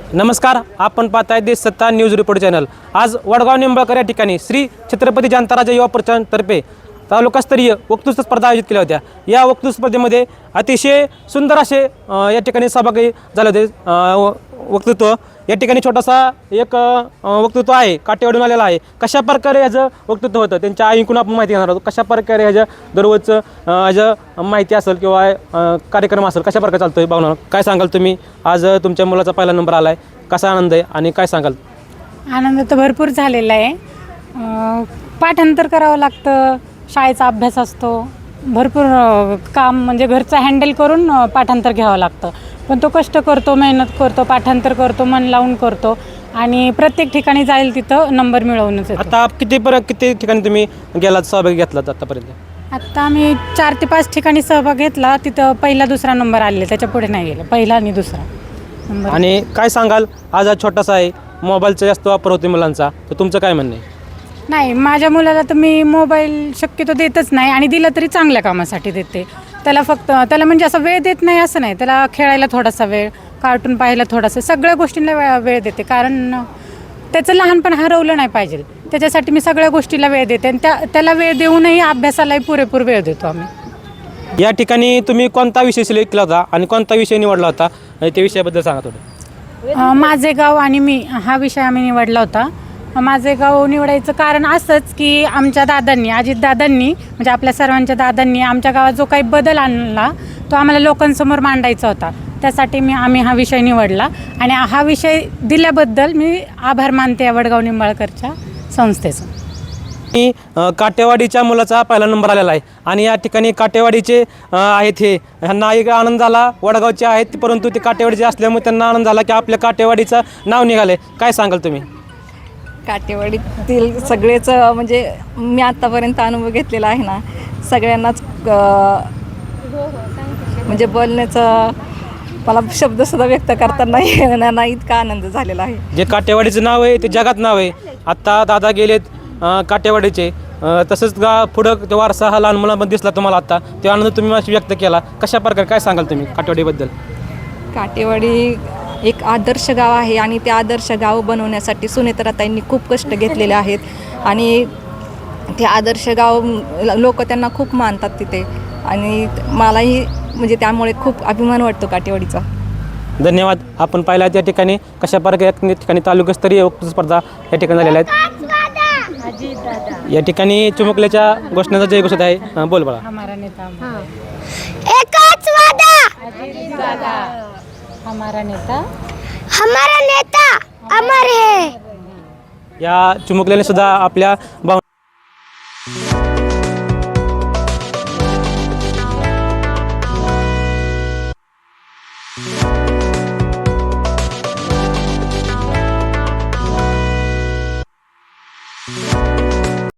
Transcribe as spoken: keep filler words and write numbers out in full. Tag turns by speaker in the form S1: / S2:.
S1: नमस्कार, आपण पाहताय देश सत्ता न्यूज रिपोर्ट चॅनल। आज वडगाव निंबाळकर या ठिकाणी श्री छत्रपती शांताराजे युवा परिषदेतर्फे तालुकास्तरीय वक्तृत्व स्पर्धा आयोजित केल्या होत्या। या वक्तृत्व स्पर्धेमध्ये अतिशय सुंदर असे या ठिकाणी सहभागी झाले होते। वक्तृत्व या ठिकाणी छोटासा एक वक्तृत्व आहे, काटेवाडून आलेला आहे। कशा प्रकारे ह्याचं वक्तृत्व होतं त्यांच्या आईकडून आपण माहिती घेणार आहोत। कशा प्रकारे ह्याच्या दररोजचं ह्याचं माहिती असेल किंवा कार्यक्रम असेल कशा प्रकारे चालतोय भावना काय सांगाल तुम्ही? आज तुमच्या मुलाचा पहिला नंबर आला आहे, कसा आनंद आहे आणि काय सांगाल?
S2: आनंद तर भरपूर झालेला आहे। पाठांतर करावं लागतं, शाळेचा अभ्यास असतो, भरपूर काम म्हणजे घरचं हँडल करून पाठांतर घ्यावं लागतं। पण तो कष्ट करतो, मेहनत करतो, पाठांतर करतो, मन लावून करतो आणि प्रत्येक ठिकाणी जाईल तिथं नंबर मिळवूनच येतो।
S1: आता किती परत किती ठिकाणी तुम्ही गेलात, सहभाग घेतलात आतापर्यंत?
S2: आता आम्ही चार ते पाच ठिकाणी सहभाग घेतला, तिथं पहिला दुसरा नंबर आलेला, त्याच्या पुढे नाही गेलं, पहिला आणि दुसरा नंबर।
S1: आणि काय सांगाल, आज हा छोटासा आहे, मोबाईलचा जास्त वापर होते मुलांचा, तर तुमचं काय म्हणणं आहे?
S2: नाही, माझ्या मुलाला तर मी मोबाईल शक्यतो देतच नाही आणि दिला तरी चांगल्या कामासाठी देते। त्याला फक्त त्याला म्हणजे असं वेळ देत नाही असं नाही, त्याला खेळायला थोडासा वेळ, कार्टून पाहायला थोडासा, सगळ्या गोष्टींना वेळ वेळ देते। कारण त्याचं लहानपण हरवलं नाही पाहिजे, त्याच्यासाठी मी सगळ्या गोष्टीला वेळ देते आणि त्या त्याला वेळ देऊनही अभ्यासालाही पुरेपूर वेळ देतो आम्ही।
S1: या ठिकाणी तुम्ही कोणता विषय सिलेक्ट केला होता आणि कोणता विषय निवडला होता आणि त्या विषयाबद्दल सांगा थोडं।
S2: माझे गाव आणि मी हा विषय आम्ही निवडला होता। माझे गाव निवडायचं कारण असंच की आमच्या दादांनी, अजित दादांनी म्हणजे आपल्या सर्वांच्या दादांनी आमच्या गावात जो काही बदल आणला तो आम्हाला लोकांसमोर मांडायचा होता, त्यासाठी मी आम्ही हा विषय निवडला आणि हा विषय दिल्याबद्दल मी आभार मानते या वडगाव निंबाळकरच्या संस्थेचं।
S1: मी काटेवाडीच्या मुलाचा पहिला नंबर आलेला आहे आणि या ठिकाणी काटेवाडीचे आहेत, हे ह्यांना एक आनंद झाला, वडगावचे आहेत परंतु ते काटेवाडीचे असल्यामुळे त्यांना आनंद झाला की आपल्या काटेवाडीचं नाव निघालं आहे। काय सांगाल तुम्ही?
S3: काटेवाडीतील सगळेच म्हणजे मी आत्तापर्यंत अनुभव घेतलेला आहे ना, सगळ्यांनाच म्हणजे बोलण्याचं मला शब्दसुद्धा व्यक्त करताना नाही ना, इतका आनंद झालेला आहे।
S1: जे काटेवाडीचं नाव आहे ते जगात नाव आहे। आत्ता दादा गेलेत काटेवाडीचे, तसंच गा पुढं ते वारसा हा लहान मुलांमध्ये दिसला तुम्हाला, आत्ता ते आनंद तुम्ही व्यक्त केला, कशा प्रकारे काय सांगाल तुम्ही काटेवाडीबद्दल?
S3: काटेवाडी एक आदर्श गाव आहे आणि ते आदर्श गाव बनवण्यासाठी सुनेत्राताईंनी खूप कष्ट घेतलेले आहेत आणि ते आदर्श गाव लोक त्यांना खूप मानतात तिथे आणि मलाही म्हणजे त्यामुळे खूप अभिमान वाटतो काटेवाडीचा।
S1: धन्यवाद। आपण पाहिला त्या ठिकाणी कशा प्रकारे ठिकाणी तालुकास्तरीय वक्तृत्व स्पर्धा या ठिकाणी झालेल्या आहेत। या ठिकाणी चिमुकल्याच्या घोषणेचा जय घोषित आहे, बोल बाळा।
S2: हमारा नेता
S4: एकच वादा,
S2: अजित दादा हमारा नेता
S4: हमारा नेता अमर है।
S1: या चिमुकल्याने सुद्धा आपल्या भावना